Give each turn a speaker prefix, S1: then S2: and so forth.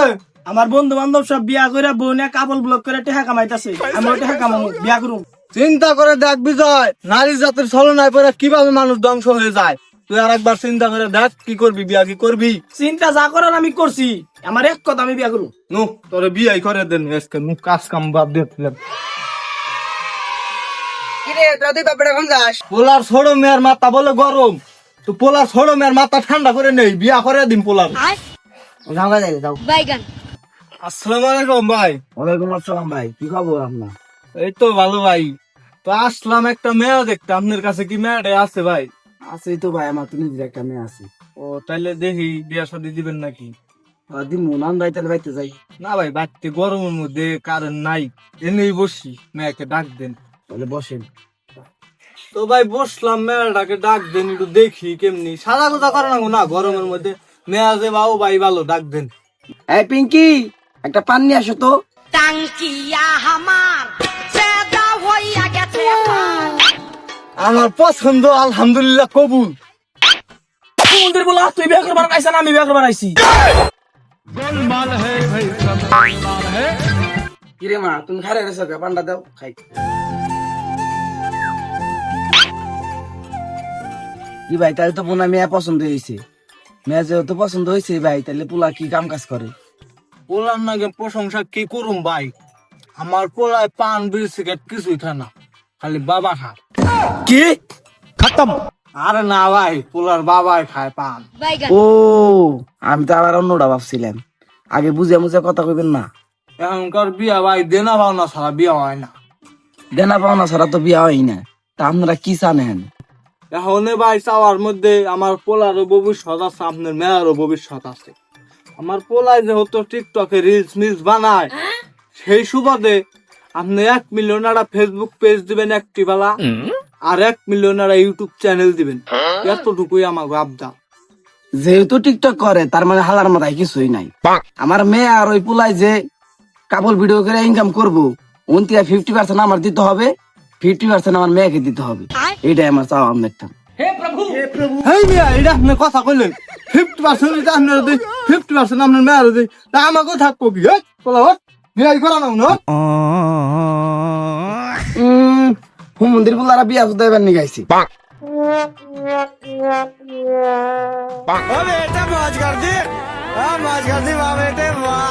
S1: আমার বন্ধু বান্ধব সব বিয়া করে বোনে কাপল ব্লক করে টেহা কামাইতাছে, আমি টেহা কামাবো, বিয়া করুম।
S2: চিন্তা করে দেখ বিজয়, নারী জাতির ছলনায় পরে কিভাবে মানুষ ধ্বংস হয়ে যায়। তুই আর একবার চিন্তা করে দেখ, কি করবি, বিয়া কি করবি?
S1: চিন্তা যা করার আমি করছি, আমার এক কথা আমি বিয়া করুম।
S2: নু তোরে বিয়াই করে দেন আজকে, নু কাজ কাম বাদ দিয়েছিলাম। পোলার ছোড়ো মেয়ের মাথা বলে গরম, তো পোলার ছোড়ো মেয়ের মাথা ঠান্ডা করে নেই, বিয়া করে দিন পোলার। আসসালামু আলাইকুম ভাই।
S1: ওয়ালাইকুম আসসালাম ভাই, কি খবর আপনার?
S2: এই তো ভালো ভাই। তো আসলাম একটা মেয়ে দেখতে, আপনার কাছে কি মেয়েটা আছে ভাই?
S1: আছে তো ভাই, আমার তো নিজের একটা মেয়ে আছে।
S2: ও তাইলে দেখি বিয়া শাদী দিবেন নাকি?
S1: দিন মনান ভাই, তাহলে বাইতে যাই।
S2: না ভাই, বাড়তে গরমের মধ্যে কারেন্ট নাই, এনেই বসি, মেয়েকে ডাক দেন।
S1: তাহলে বসেন।
S2: তো ভাই বসলাম, মেয়েটাকে ডাক দেন, একটু দেখি কেমনি। সাদা কথা করে না গরমের মধ্যে, মেয়া যে বাবু ভাই ভালো, ডাক দেন।
S1: এই পিঙ্কি, একটা পান নিয়ে আসো তো।
S3: টাঙ্কিয়া হামার চেদা হইয়া গেছে
S2: আমার পছন্দ আলহামদুলিল্লাহ কবুল।
S1: মন্দির বলা তুই বিয়া করবার আইছ না, আমি বিয়া করবার আইছি। কিরে মা, তুমি খারে রেছো কে? পান্ডা দাও খাই। কি ভাই, তাহলে তো পোনা মেয়ে পছন্দ হয়েছে। মেয়ে যেহেতু পছন্দ হয়েছে ভাই, তাহলে পোলা কি কাম কাজ করে?
S2: বললাম না প্রশংসা কি করুম ভাই, আমার পোলায় পান বিড়ি সিগারেট কিছুই খায় না, খালি বাবা খায়।
S1: কি
S2: খতম। আরে না ভাই, পোলার বাবাই খায় পান।
S3: বাইগান
S1: ও, আমি তো আবার অন্যটা ভাবছিলাম। আগে বুঝে মুঝে কথা কইবেন না।
S2: এখনকার বিয়া ভাই দেনা পাওনা ছাড়া বিয়া হয় না।
S1: দেনা পাওনা ছাড়া তো বিয়া হয় না। তা আপনারা কি জানেন?
S2: এখন ভাই চাওয়ার মধ্যে আমার পোলারও ভবিষ্যৎ আছে, আপনার মেয়েরও ভবিষ্যৎ আছে। আমার পোলায় যেহেতু টিকটকে রিলস মিলস বানায়, সেই সুবাদে আপনি 1 মিলিয়ন একটা ফেসবুক পেজ দিবেন একটি বেলা, আর 1 মিলিয়ন একটা ইউটিউব চ্যানেল দিবেন, এতটুকুই আমার আবদা।
S1: যেহেতু টিকটক করে, তার মানে হালার মাথায় কিছুই নাই। আমার মেয়ে আর ওই পোলাই যে কাপল ভিডিও করে ইনকাম করবো, 50% আমার দিতে হবে, 50% আমার মেয়েকে দিতে হবে। এইটাই আমার চাওয়া। আপনার
S2: হেই মিয়া, এটা আপনি কথা কইলেন, 50% এটা আপনার দিই, 50% আপনার মেয়ের দিই, তা আমাকেও থাকবো কি? হেই পোলা হোক, বিয়াই করা না না।
S1: মন্দির পোলারা বিয়া শুধু এবার নিয়ে গাইছি।
S2: বেটা মজ কর দি, মজ কর দি, বেটে